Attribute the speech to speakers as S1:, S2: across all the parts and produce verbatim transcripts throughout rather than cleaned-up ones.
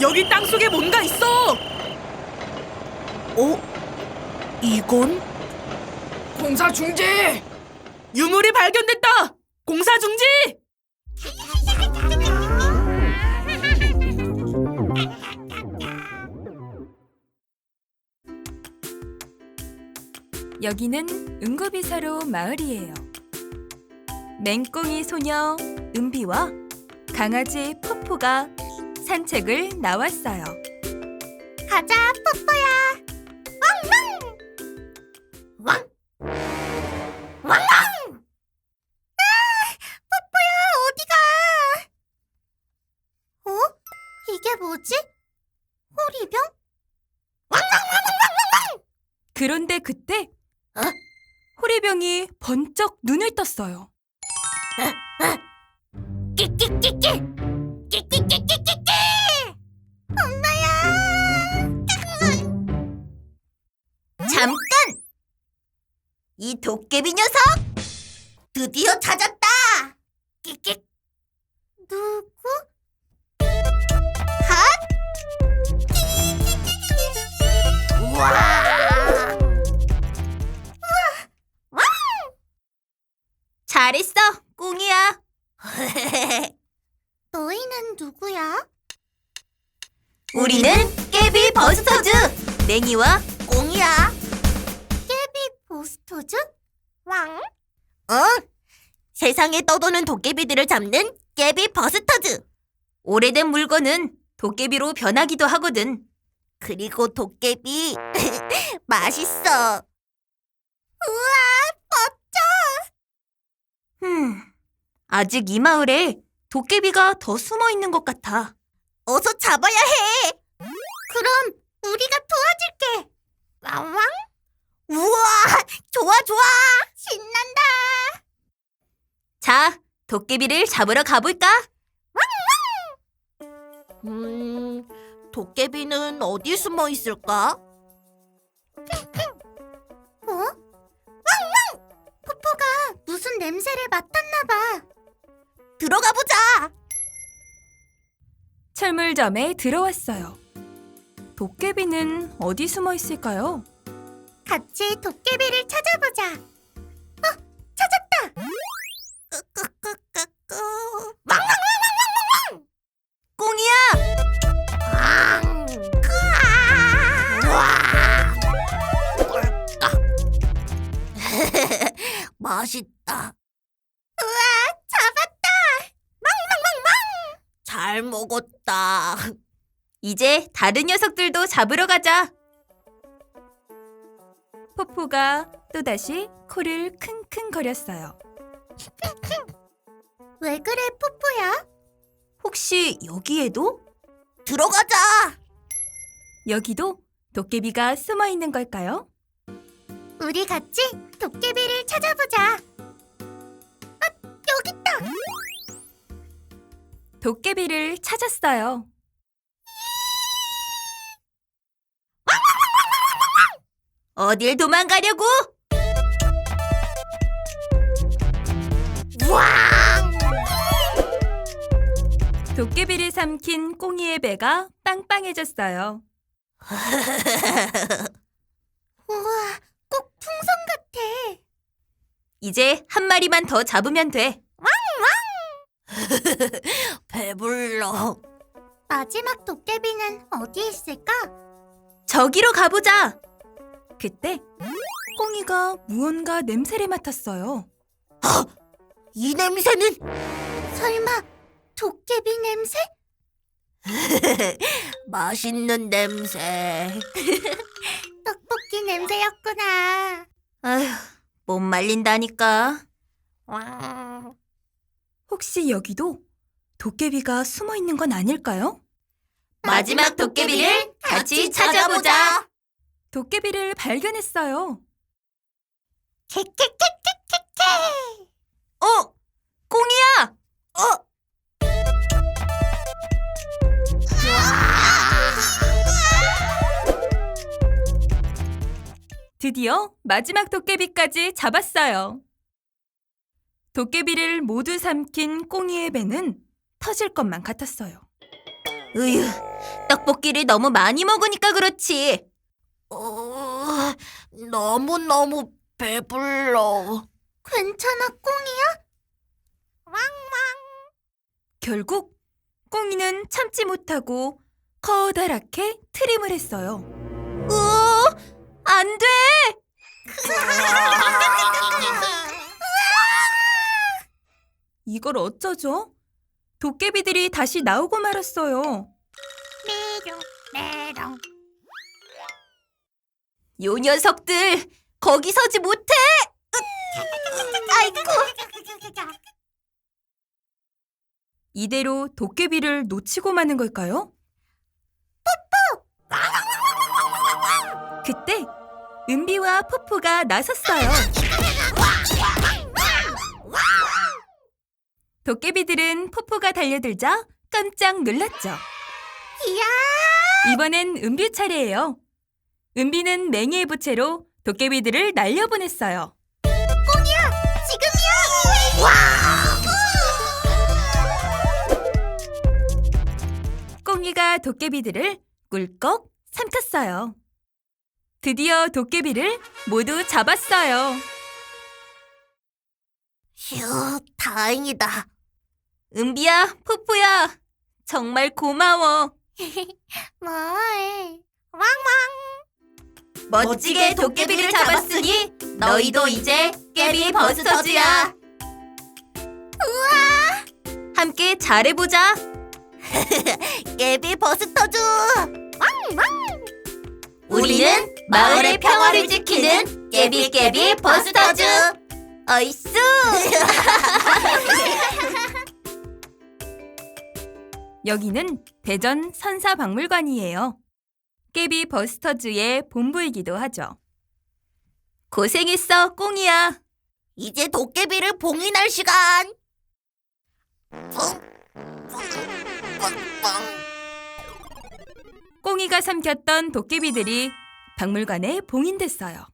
S1: 여기 땅속에 뭔가 있어! 어? 이건?
S2: 공사 중지!
S1: 유물이 발견됐다! 공사 중지!
S3: 여기는 은구비사로 마을이에요. 맹꽁이 소녀 은비와 강아지 푸푸가 산책을 나왔어요.
S4: 가자, 뽀뽀야. 왕왕! 왕! 왕왕! 아, 뽀뽀야, 어디가? 어? 이게 뭐지? 호리병? 왕왕왕왕왕왕!
S3: 그런데 그때
S4: 어?
S3: 호리병이 번쩍 눈을 떴어요.
S4: 끼끼끼끼! 끼끼끼끼끼끼! 엄마야! 잠깐! 이 도깨비 녀석! 드디어 찾았다! 끼끼! 누구? 핫! 우와! 우와! 왕! 잘했어, 꽁이야. 너희는 누구야? 우리는 깨비 버스터즈! 냉이와 꽁이야. 깨비 버스터즈? 왕? 어? 세상에 떠도는 도깨비들을 잡는 깨비 버스터즈! 오래된 물건은 도깨비로 변하기도 하거든. 그리고 도깨비 맛있어. 우와, 멋져! 음, 아직 이 마을에 도깨비가 더 숨어 있는 것 같아. 어서 잡아야 해. 그럼 우리가 도와줄게. 왕왕? 우와, 좋아 좋아. 신난다. 자, 도깨비를 잡으러 가볼까? 왕왕! 음, 도깨비는 어디 숨어 있을까? 어? 왕왕! 포포가 무슨 냄새를 맡았나 봐. 들어가 보자.
S3: 철물점에 들어왔어요. 도깨비는 어디 숨어 있을까요?
S4: 같이 도깨비를 찾아보자. 어, 찾았다. 끄끄끄끄끄. 왕왕왕왕왕왕왕. 꽁이야. 왕. 크아. 맛있다. 우와, 잡았다. 왕왕왕왕. 잘 먹었다. 이제 다른 녀석들도 잡으러 가자.
S3: 포포가 또다시 코를 킁킁거렸어요.
S4: 왜 그래, 뽀뽀야? 혹시 여기에도? 들어가자.
S3: 여기도 도깨비가 숨어 있는 걸까요?
S4: 우리 같이 도깨비를 찾아보자. 아, 여기 있다.
S3: 도깨비를 찾았어요.
S4: 어딜 도망가려고? 왕!
S3: 도깨비를 삼킨 꽁이의 배가 빵빵해졌어요.
S4: 우와, 꼭 풍선 같아. 이제 한 마리만 더 잡으면 돼. 왕왕! 배불러. 마지막 도깨비는 어디 있을까? 저기로 가보자.
S3: 그때 꽁이가 무언가 냄새를 맡았어요.
S4: 이 냄새는 설마 도깨비 냄새? 맛있는 냄새. 떡볶이 냄새였구나. 아휴, 못 말린다니까.
S3: 혹시 여기도 도깨비가 숨어 있는 건 아닐까요?
S4: 마지막 도깨비를 같이 찾아보자.
S3: 도깨비를 발견했어요.
S4: 캐캐캐캐캐캐. 어, 꽁이야. 어.
S3: 드디어 마지막 도깨비까지 잡았어요. 도깨비를 모두 삼킨 꽁이의 배는 터질 것만 같았어요.
S4: 으휴, 떡볶이를 너무 많이 먹으니까 그렇지. 어, 너무너무 배불러. 괜찮아, 꽁이야?
S3: 결국 꽁이는 참지 못하고 커다랗게 트림을 했어요.
S4: 으, 안 돼!
S3: 이걸 어쩌죠? 도깨비들이 다시 나오고 말았어요.
S4: 요 녀석들, 거기 서지 못해! 아이고.
S3: 이대로 도깨비를 놓치고 마는 걸까요? 그때 은비와 푸푸가 나섰어요. 도깨비들은 푸푸가 달려들자 깜짝 놀랐죠. 이번엔 은비 차례예요. 은비는 맹이의 부채로 도깨비들을 날려보냈어요.
S4: 지금이야!
S3: 꽁이가 도깨비들을 꿀꺽 삼켰어요. 드디어 도깨비를 모두 잡았어요.
S4: 휴, 다행이다. 은비야, 푸푸야, 정말 고마워. 뭘? 왕왕. 멋지게 도깨비를 잡았으니 너희도 이제 깨비 버스터즈야. 우와! 함께 잘해보자. 깨비 버스터즈. 왕왕. 우리는 마을의 평화를 지키는 깨비 깨비 버스터즈. 어이쑤.
S3: 여기는 대전 선사박물관이에요. 깨비 버스터즈의 본부이기도 하죠. 고생했어, 꽁이야.
S4: 이제 도깨비를 봉인할 시간.
S3: 꽁이가 삼켰던 도깨비들이 박물관에 봉인됐어요.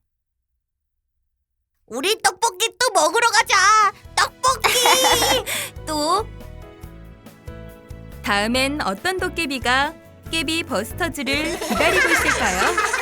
S4: 우리 떡볶이 또 먹으러 가자. 떡볶이. 또?
S3: 다음엔 어떤 도깨비가 깨비 버스터즈를 기다리고 있을까요?